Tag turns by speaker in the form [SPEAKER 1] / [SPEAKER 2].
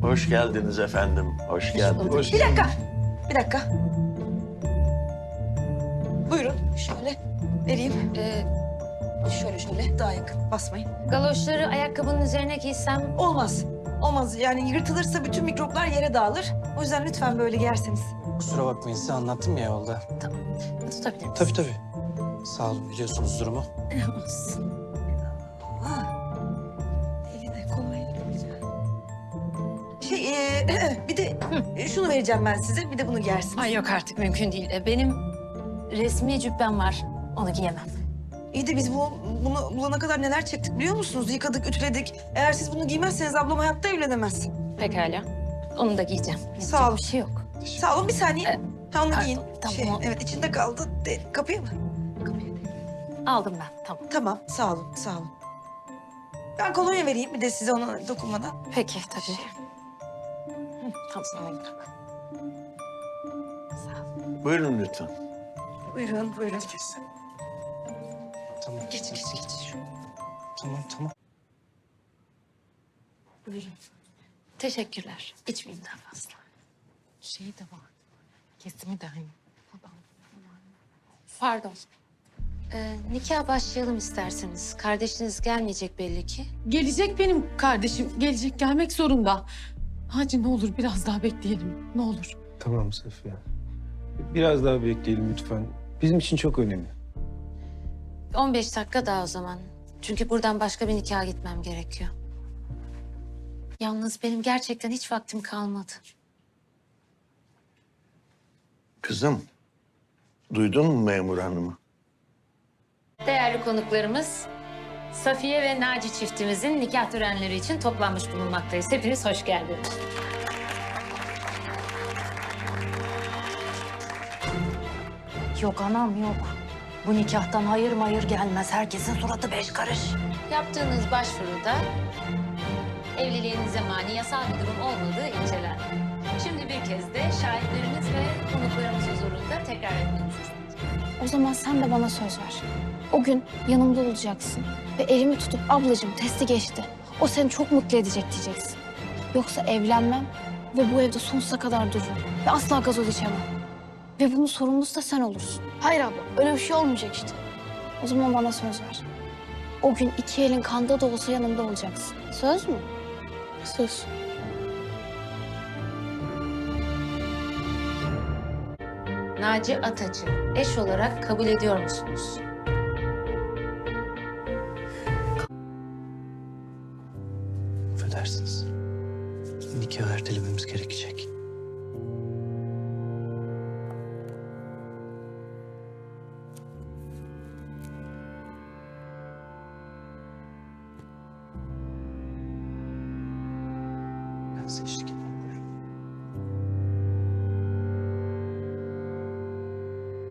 [SPEAKER 1] Hoş geldiniz efendim. Hoş geldiniz.
[SPEAKER 2] Bir dakika. Bir dakika. Buyurun şöyle vereyim. Şöyle daha yakın basmayın.
[SPEAKER 3] Galoşları ayakkabının üzerine giysem
[SPEAKER 2] Olmaz. Olmaz yani yırtılırsa bütün mikroplar yere dağılır. O yüzden lütfen böyle giyerseniz.
[SPEAKER 4] Kusura bakmayın size anlattım ya yolda.
[SPEAKER 3] tutabilir misin?
[SPEAKER 4] Tabii. Sağ olun biliyorsunuz durumu.
[SPEAKER 3] Olsun.
[SPEAKER 2] Eline kolay. Bir de şunu vereceğim ben size. Bir de bunu giyersiniz.
[SPEAKER 3] Ay yok artık mümkün değil. Benim resmi cübbem var. Onu giyemem.
[SPEAKER 2] İyi de biz bunu bulana kadar neler çektik biliyor musunuz? Yıkadık, ütüledik. Eğer siz bunu giymezseniz ablam hayatta evlenemez.
[SPEAKER 3] Pekala. Onu da giyeceğim.
[SPEAKER 2] Sağ
[SPEAKER 3] Yapacak
[SPEAKER 2] ol.
[SPEAKER 3] Bir şey yok.
[SPEAKER 2] Sağ olun bir saniye. Ha onu
[SPEAKER 3] pardon,
[SPEAKER 2] giyin.
[SPEAKER 3] tamam.
[SPEAKER 2] Evet içinde kaldı. Kapıya mı? Kapıya.
[SPEAKER 3] Aldım ben. Tamam.
[SPEAKER 2] Tamam sağ olun sağ olun. Ben kolonya vereyim bir de size ona dokunmadan.
[SPEAKER 3] Peki tabii. Tamam. Sağ ol.
[SPEAKER 1] Buyurun lütfen.
[SPEAKER 2] Buyurun.
[SPEAKER 4] Tamam.
[SPEAKER 2] Geç.
[SPEAKER 4] Tamam.
[SPEAKER 2] Buyurun.
[SPEAKER 3] Teşekkürler. İçmeyeyim daha fazla.
[SPEAKER 5] Şey de var. Kesimi de hani. Buradan.
[SPEAKER 3] Pardon. Nikah başlayalım isterseniz. Kardeşiniz gelmeyecek belli ki.
[SPEAKER 5] Gelecek benim kardeşim. Gelecek, gelmek zorunda. Hacı ne olur biraz daha bekleyelim. Ne olur.
[SPEAKER 6] Tamam Safiye. Biraz daha bekleyelim lütfen. Bizim için çok önemli.
[SPEAKER 3] 15 dakika daha o zaman. Çünkü buradan başka bir nikaha gitmem gerekiyor. Yalnız benim gerçekten hiç vaktim kalmadı.
[SPEAKER 1] Kızım, duydun mu memur hanımı?
[SPEAKER 3] Değerli konuklarımız, Safiye ve Naci çiftimizin nikah törenleri için toplanmış bulunmaktayız. Hepiniz hoş geldiniz.
[SPEAKER 7] Yok anam yok. Bu nikahtan hayır mayır gelmez. Herkesin suratı beş karış.
[SPEAKER 3] Yaptığınız başvuruda evliliğinize mani yasal bir durum olmadığı incelendi. Şimdi bir kez de şahitleriniz ve konuklarımız huzurunda tekrar etmenizi isteyeceğim.
[SPEAKER 8] O zaman sen de bana söz ver. O gün yanımda olacaksın ve elimi tutup ablacığım testi geçti. O seni çok mutlu edecek diyeceksin. Yoksa evlenmem ve bu evde sonsuza kadar dururum ve asla gazoz içemem. Ve bunun sorumlusu da sen olursun. Hayır abla öyle bir şey olmayacak işte. O zaman bana söz ver. O gün iki elin kanda da olsa yanımda olacaksın. Söz mü? Söz.
[SPEAKER 3] Naci Ataç'ı eş olarak kabul ediyor musunuz?
[SPEAKER 4] Affedersiniz. Nikahı ertelememiz gerekecek. Ben size eşlik edeyim.